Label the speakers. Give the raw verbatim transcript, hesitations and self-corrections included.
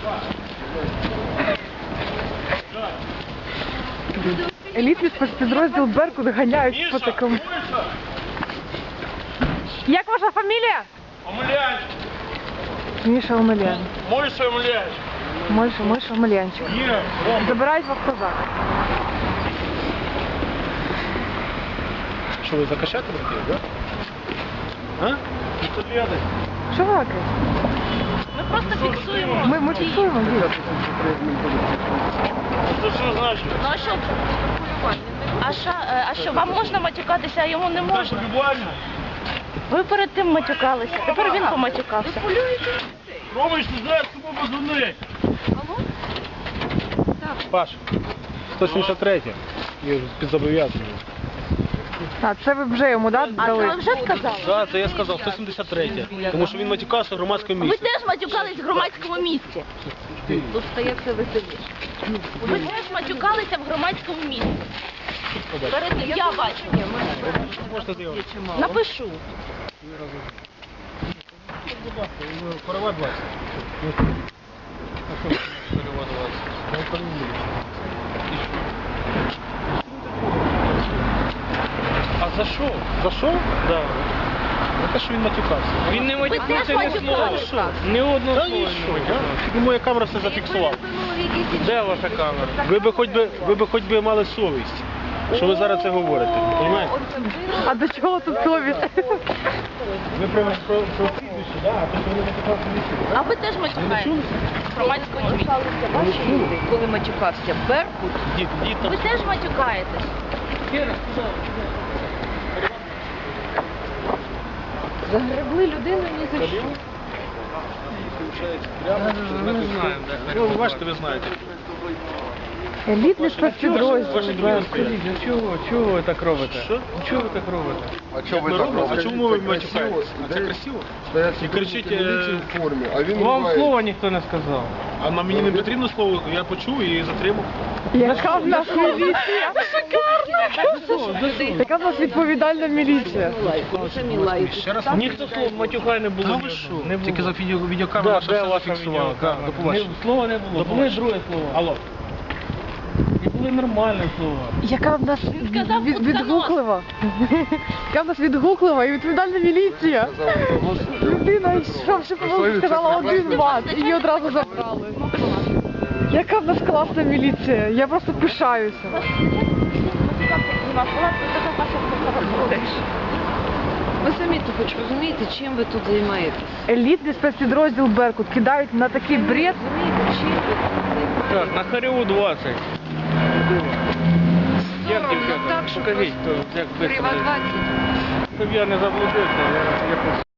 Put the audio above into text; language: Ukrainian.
Speaker 1: Елітний спецпідрозділ «Беркут» ганяють по такому. Як ваша фамілія?
Speaker 2: Омелянчик.
Speaker 1: Міша Омелян.
Speaker 2: Мойша Омелянчик.
Speaker 1: Мойша, Мойша Омелянчик. Забирають вас в козак.
Speaker 2: Що, ви закачати хотіли, так? А? Що лєдать?
Speaker 1: Що ви лакаєте?
Speaker 3: Ми просто фіксуємо.
Speaker 1: Ми, ми фіксуємо, дійсно.
Speaker 2: Це що значить?
Speaker 3: Ну а що? А що, е, а що, вам можна матюкатися, а йому не можна?
Speaker 2: Буквально.
Speaker 3: Ви перед тим матюкалися, тепер він поматюкався.
Speaker 2: Ромич, не знаєш, кому позвонити. Паш, сто сімдесят три. Я під зобов'язанням.
Speaker 1: А, це ви вже йому, да,
Speaker 3: А
Speaker 1: дали?
Speaker 3: це ви вже сказали?
Speaker 2: Так, це я сказав, сто сімдесят три. Тому що він матюкався в громадському
Speaker 3: Ви
Speaker 2: місці.
Speaker 3: теж матюкались в громадському місці. Тут стає все веселіше. Ви теж матюкалися в громадському місці. Перед тим я бачу.
Speaker 2: Можете зробити.
Speaker 3: Напишу.
Speaker 2: Корова двадцять. Корова двадцять. А за що? За що? Да. За те, що він матюкався.
Speaker 4: Він не
Speaker 3: Ви теж
Speaker 4: матюкався ні слова.
Speaker 3: матюкалися.
Speaker 4: Ні одного
Speaker 2: Та
Speaker 4: слова
Speaker 2: ні,
Speaker 4: не
Speaker 2: що?
Speaker 4: матюкався.
Speaker 2: Тільки моя камера все зафіксувала.
Speaker 4: Де ваша камера?
Speaker 2: Ви би хоч би, ви би хоч би мали совість, що ви зараз це говорите. Розумієте?
Speaker 1: А до чого тут совість?
Speaker 2: Ви про про про прізвище, да, а то що ви матюкався в місці.
Speaker 3: А ви теж матюкаєтесь в громадському місці.
Speaker 5: Коли матюкався Беркут,
Speaker 2: Дід, дід там.
Speaker 3: Ви теж матюкаєтесь.
Speaker 5: загребли людину ні за що.
Speaker 2: Ми не знаємо, ну, ви бачите, ви знаєте.
Speaker 1: Елітний спецпідрозділ
Speaker 2: Ваші друзі
Speaker 1: «Беркут».
Speaker 2: стоять.
Speaker 4: А чого, чого ви так робите?
Speaker 2: Що?
Speaker 4: Чого ви так робите?
Speaker 6: А чого ви
Speaker 2: Ми
Speaker 6: так
Speaker 2: робимо?
Speaker 6: робите?
Speaker 2: А чому ви
Speaker 6: Це
Speaker 2: матюкаєтесь?
Speaker 6: красиво,
Speaker 2: А це
Speaker 6: де
Speaker 2: красиво?
Speaker 6: стоять
Speaker 2: І кричить,
Speaker 6: сотрудники міліції
Speaker 2: е,
Speaker 6: в формі, а він
Speaker 4: Вам
Speaker 6: ругає.
Speaker 4: слова ніхто не сказав.
Speaker 2: А на мені не потрібно слово, я почув і затримав.
Speaker 1: Яка в нас міліція? Яка в нас відповідальна міліція?
Speaker 5: Самі лають.
Speaker 2: Ще раз.
Speaker 4: Ніхто слов матюкай не було.
Speaker 2: Та
Speaker 4: ні
Speaker 2: ви
Speaker 4: одного.
Speaker 2: що?
Speaker 4: Не було.
Speaker 2: Тільки за відео,
Speaker 4: Да,
Speaker 2: відеокамера
Speaker 4: де
Speaker 2: все
Speaker 4: ваша
Speaker 2: зафіксувала.
Speaker 4: відеокамера?
Speaker 2: Да, до побачення.
Speaker 4: Не- Слова не було.
Speaker 2: До
Speaker 4: Були
Speaker 2: побачення.
Speaker 4: друге слово.
Speaker 2: Алло.
Speaker 4: І були нормальні слова.
Speaker 1: Яка в нас
Speaker 3: сказав
Speaker 1: від-
Speaker 3: «Утконос».
Speaker 1: відгуклива? Яка в нас відгуклива і відповідальна міліція? Людина, що вже
Speaker 6: Совість,
Speaker 1: сказала
Speaker 6: це
Speaker 1: один
Speaker 6: прекрасно.
Speaker 1: мат, і її одразу забрали. Яка в нас класна міліція? Я просто пишаюся.
Speaker 5: Ви самі то хоч розумієте, чим ви тут займаєтесь?
Speaker 1: Елітний спецпідрозділ «Беркут» кидають на такий бред.
Speaker 5: Розумієте, чим ви тут займаєтесь?
Speaker 4: Так, на Хареву двадцять. Як
Speaker 5: Соромно
Speaker 4: дівчата?
Speaker 5: так, що
Speaker 4: Покажіть,
Speaker 5: просто
Speaker 4: то як
Speaker 5: Приват
Speaker 4: швидко.
Speaker 5: двадцять.
Speaker 4: Щоб я не заблудився, я, я просто...